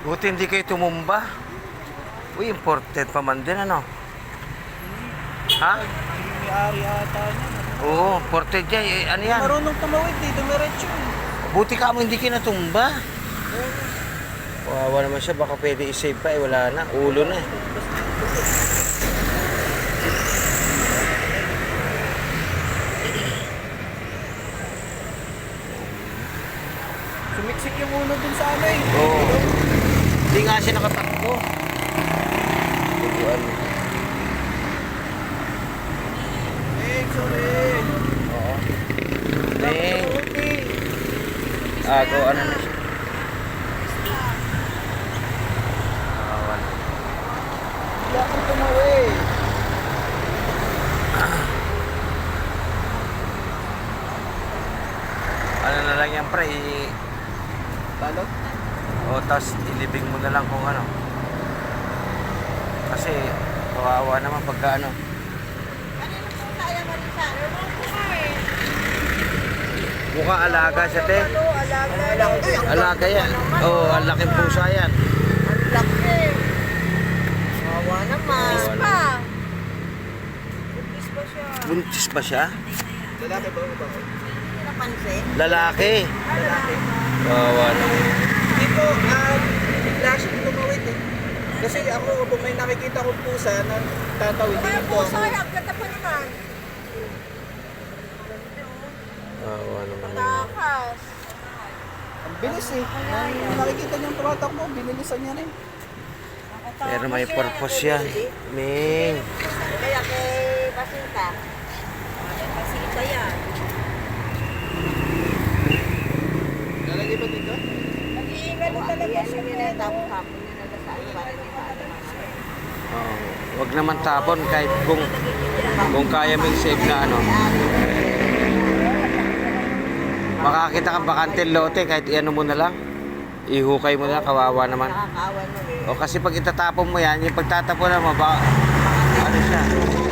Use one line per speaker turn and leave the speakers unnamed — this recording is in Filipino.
Buti hindi kayo tumumba. Uy, imported pa man din, ano? Ha?
May-ari ata niya.
Oo, imported yan. Eh, ano yan?
Marunong tumawid eh, dumiretso.
Buti ka mo hindi kinatumba. Wawa naman siya, baka pwede i-save pa eh, wala na, ulo na eh.
Sumiksik yung ulo dun sa ano eh.
Oo. Hindi nga siya nakatakbo. Tuguan.
Sorry.
Oo. Ding. Ako, ano na siya? Awan.
Hindi akong tumawid.
Ano na lang yan, pre?
Talo?
O, tapos ilibing mo na lang kung ano. Kasi, kawawa naman pagka ano. Mukhang alaga siya, te. Alaga yan. Oo, oh, ang laking pusa yan.
Ang laki. Wawa naman.
Wawa
Pa. Buntis pa siya.
Buntis pa siya?
Lalaki ba o babae?
Hindi napansin.
Lalaki.
Lalaki.
Kawawa naman.
Hindi ko, bigla siyang tumawid eh. Kasi ako, kung may nakikita kong pusa na tatawid,
Kaya
hindi
po
ko
sa
ako.
ang ganda pa naman.
Kawawa naman.
Takas.
Ang bilis eh. Nung nakikita niyang tumatakbo, binilisan niya rin.
Pero may purpose yan. Ming.
Kaya kay Basinta. Kay Basinta yan.
Lalagay ba dito?
Nag-iingat talaga siya. Yan tapos hapon niya nagasaan para hindi pa
Oh, wag naman tapon kahit kung kaya mong save na ano. Makakita kang bakantil lote kahit iano mo na lang. Ihukay mo na lang, kawawa naman.
nakakaawa nun eh.
O kasi pag itatapon mo yan, yung pagtatapon mo ba ano siya?